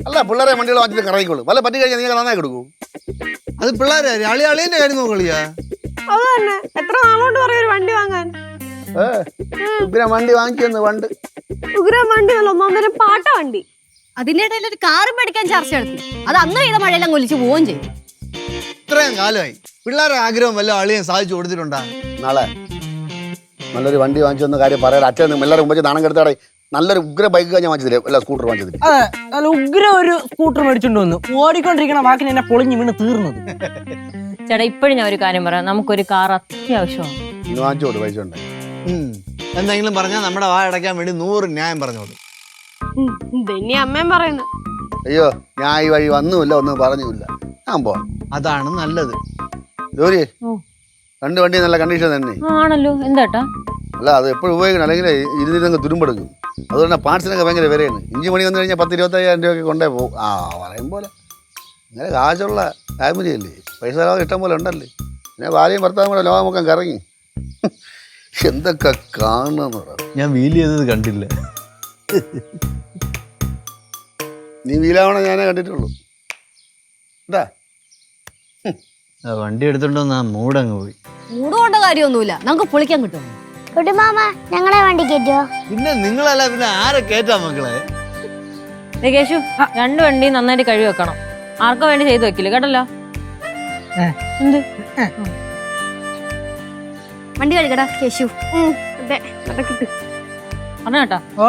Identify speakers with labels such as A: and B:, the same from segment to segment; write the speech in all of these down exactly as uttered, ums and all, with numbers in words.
A: അല്ല പിള്ളേരെ വണ്ടികൾ വാങ്ങിച്ചിട്ട് കറങ്ങിക്കോളൂ. വല്ല പറ്റി കഴിഞ്ഞാൽ നിങ്ങൾ നന്നായി കൊടുക്കൂ.
B: അത് പിള്ളേരെ അളി അളിയന്റെ കാര്യം നോക്കളിയാ.
C: അത് തന്നെ എത്ര നാളോട്ട് പറയും ഒരു വണ്ടി വാങ്ങാൻ.
A: ഉഗ്രം വണ്ടി വാങ്ങിക്കുന്നു പണ്ട്.
C: ഉഗ്രം വണ്ടി അല്ല ഒന്നൊന്നര പാട്ട വണ്ടി.
D: അതിന്റെ ഇടയിൽ ഒരു കാറ് മേടിക്കാൻ ചർച്ച നടത്തി. അത് അന്ന് പെയ്ത മഴയെല്ലാം കൊലിച്ച് പോവുകയും ചെയ്യും.
B: ഇത്രയും കാലമായി പിള്ളേരുടെ ആഗ്രഹം വല്ല അളിയും സാധിച്ചു കൊടുത്തിട്ടുണ്ടാ?
A: നാളെ നല്ലൊരു വണ്ടി വാങ്ങിച്ചു വന്ന കാര്യം പറയാൻ അച്ഛൻ എല്ലാവരും മുമ്പ് നാണം കെടുത്താടെ നല്ലൊരു ഉഗ്ര ബൈക്ക് ഞാൻ വാങ്ങിച്ചതില്ലേ, അല്ല സ്കൂട്ടർ വാങ്ങിച്ചത്.
E: അതെ, നല്ല ഉഗ്ര ഒരു സ്കൂട്ടർ മേടിച്ചോണ്ട് വന്നു. ഓടിക്കൊണ്ടിരിക്കണ വാക്കിന് എന്നെ പൊളിഞ്ഞു വീണ് തീർന്നത്.
F: ചേട്ടാ ഇപ്പോഴും ഞാൻ ഒരു കാര്യം പറയാം, നമുക്കൊരു കാർ അത്യാവശ്യമാണ്.
A: ഇന്ന് വാങ്ങിച്ചോട് പൈസ ഉണ്ട്.
B: എന്തെങ്കിലും പറഞ്ഞാൽ നമ്മുടെ വാ അടയ്ക്കാൻ വേണ്ടി നൂറ് ന്യായം പറഞ്ഞോളൂ.
C: ഇതന്നെ അമ്മയും പറയുന്നു.
A: അയ്യോ ഞാൻ ഈ വഴി വന്നുമില്ല ഒന്നും പറഞ്ഞില്ല, ഞാൻ പോവാം.
B: അതാണ് നല്ലത്.
A: ജോലി രണ്ട് വണ്ടി നല്ല കണ്ടീഷൻ തന്നെ
F: ആണല്ലോ. എന്താട്ടാ?
A: അല്ല അത് എപ്പോഴും ഉപയോഗിക്കണം, അല്ലെങ്കിൽ ഇരുന്നിരുന്നങ്ങ് തുരുമ്പെടുക്കും. അതുകൊണ്ട് പാർട്സിനൊക്കെ ഭയങ്കര വിലയാണ്. ഇഞ്ചി മണി വന്നു കഴിഞ്ഞാൽ പത്ത് ഇരുപത്തയ്യായിരം രൂപയൊക്കെ കൊണ്ടേ പോകും. ആ പറയും പോലെ ഇങ്ങനെ കാശുള്ള ഫാമിലി അല്ലേ, പൈസ ഇഷ്ടം പോലെ ഉണ്ടല്ലേ. പിന്നെ ഭാര്യയും ഭർത്താവും കൂടെ ലോകമൊക്കെ കറങ്ങി എന്തൊക്കെ കാണുന്ന.
B: ഞാൻ വീൽ ചെയ്തത് കണ്ടില്ല.
A: നീ വീലാവണ ഞാനേ കണ്ടിട്ടുള്ളൂ. എന്താ
B: വണ്ടി എടുത്തോണ്ട് ആ മൂടങ്ങ് പോയി.
D: മൂട് കൊണ്ട കാര്യമൊന്നുമില്ല, നമുക്ക് പൊളിക്കാൻ കിട്ടും.
G: കുട്ടിമാമ ഞങ്ങളെ വണ്ടി കയറ്റോ?
B: പിന്നെ നിങ്ങളല്ല പിന്നെ ആരെ കേറ്റാ മക്കളെ?
F: കേശു രണ്ടു വണ്ടി നന്നായിട്ട് കഴുകി വെക്കണം. ആർക്കോ വേണ്ടി ചെയ്തു വെക്കില്ല കേട്ടല്ലോ. എന്ത്
D: വണ്ടി കഴുകടാ കേശു.
F: പറഞ്ഞാട്ടാ.
E: ഓ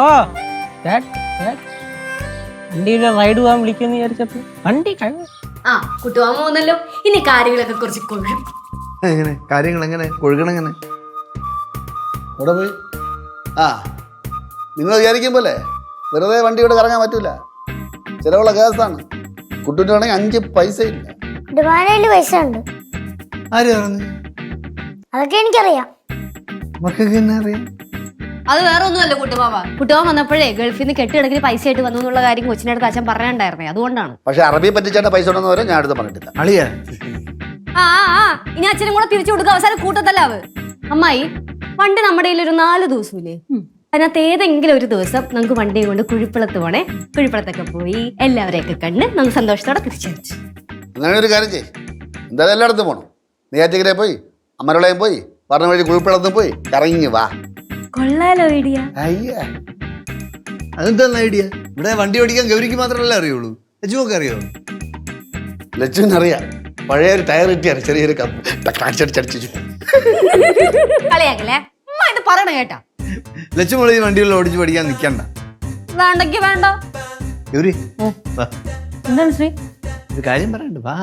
E: വണ്ടിയിലെ റൈഡ് പോകാൻ വിളിക്കുമെന്ന് വിചാരിച്ചപ്പോ വണ്ടി കഴുകും.
D: ആ കുട്ടുവാൻ പോകുന്നല്ലോ. ഇനി കാര്യങ്ങളൊക്കെ കുറച്ച് കൊഴും.
B: എങ്ങനെ കാര്യങ്ങൾ എങ്ങനെ കൊഴുകണം? എങ്ങനെ
A: അവിടെ പോയി ആ നിങ്ങൾ വിചാരിക്കും പോലെ വെറുതെ വണ്ടി ഇവിടെ കറങ്ങാൻ പറ്റൂല, ചിലവുള്ള കേസാണ്. കുട്ടൂൻ്റെ ആണെങ്കിൽ അഞ്ച് പൈസ ഇല്ല.
G: കുട്ടിമാനയില് പൈസ ഉണ്ട്.
B: ആര് പറഞ്ഞു?
G: അതൊക്കെ എനിക്കറിയാം.
B: മക്കൾക്ക് തന്നെ അറിയാം.
D: അത് വേറെ ഒന്നുമല്ല കുട്ടുമാവ. കുട്ടുമാവൻ വന്നപ്പോഴേ ഗൾഫിൽ നിന്ന് കെട്ടിടക്കിന് പൈസ ആയിട്ട് വന്നു എന്നുള്ള കാര്യം കൊച്ചിൻ്റെ അടുത്ത് അച്ഛൻ പറഞ്ഞിട്ടുണ്ടായിരുന്നേ, അതുകൊണ്ടാണ്.
A: പക്ഷെ അറബി പറ്റിച്ചേട്ട പൈസ ഉണ്ടെന്ന് വരെ ഞാൻ അടുത്ത് പറഞ്ഞിട്ടില്ല.
B: അളിയാ
D: ആ ആ ഇനി അച്ഛനും കൂടെ തിരിച്ചു കൊടുക്കുക. അവസാനം കൂട്ടത്തല്ലാവ്. അമ്മായി വണ്ടി നമ്മുടെ കയ്യിൽ ഒരു നാല് ദിവസമില്ലേ, അതിനകത്ത് ഏതെങ്കിലും ഒരു ദിവസം നമുക്ക് വണ്ടിയും കൊണ്ട് കുഴിപ്പളത്ത് പോണേ. കുഴിപ്പളത്തൊക്കെ പോയി എല്ലാവരെയൊക്കെ കണ്ട് നമുക്ക് സന്തോഷത്തോടെ തിരിച്ചടിച്ചു.
A: അങ്ങനെ ഒരു കാര്യം ചെയ്യ്, എന്തായാലും എല്ലായിടത്തും പോകണം. നെയ്യാറ്റിക്കരയിൽ പോയി അമരളയും പോയി പറഞ്ഞ വഴി കുഴിപ്പളത്തും പോയി കറങ്ങി വാ.
D: കൊള്ളാലോ ഐഡിയ.
A: അയ്യ
B: അതെന്താ ഐഡിയ? ഇവിടെ വണ്ടി ഓടിക്കാൻ ഗൗരിക്ക് മാത്രമല്ലേ അറിയുള്ളൂ, ലച്ചുമൊക്കെ അറിയോ?
A: ലച്ചുവിനറിയാം, പഴയ ഒരു ടയർ കിട്ടിയാണ് ചെറിയൊരു അടിച്ചടിച്ചു.
D: കളിയാക്കല്ലേ അമ്മ, ഇത് പറയണ കേട്ടാ.
B: ലച്ചുമോളി വണ്ടികളിൽ ഓടിച്ച് പഠിക്കാൻ നിൽക്കണ്ട.
D: വേണ്ടെങ്കി വേണ്ട.
B: ഗൗരി വാ,
F: എന്താണ് ശ്രീ?
B: ഒരു കാര്യം പറയണ്ട വാ.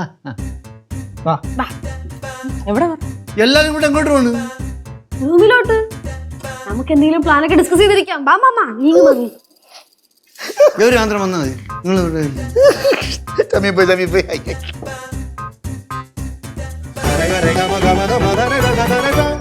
F: എവിടെ
B: എല്ലാരും കൂടെ എങ്ങോട്ട് പോണ്?
C: റൂമിലോട്ട്. നമുക്ക് എന്തെങ്കിലും പ്ലാനൊക്കെ ഡിസ്കസ് ചെയ്തിരിക്കാം. ബാ മാമ നീ മതി.
B: ഗൗരി മാത്രം വന്നാൽ മതി. നിങ്ങൾ
A: തമ്മിപ്പോയി തമ്മിപ്പോയി
B: Rega, rega, maga, maga, maga, rega, rega, rega.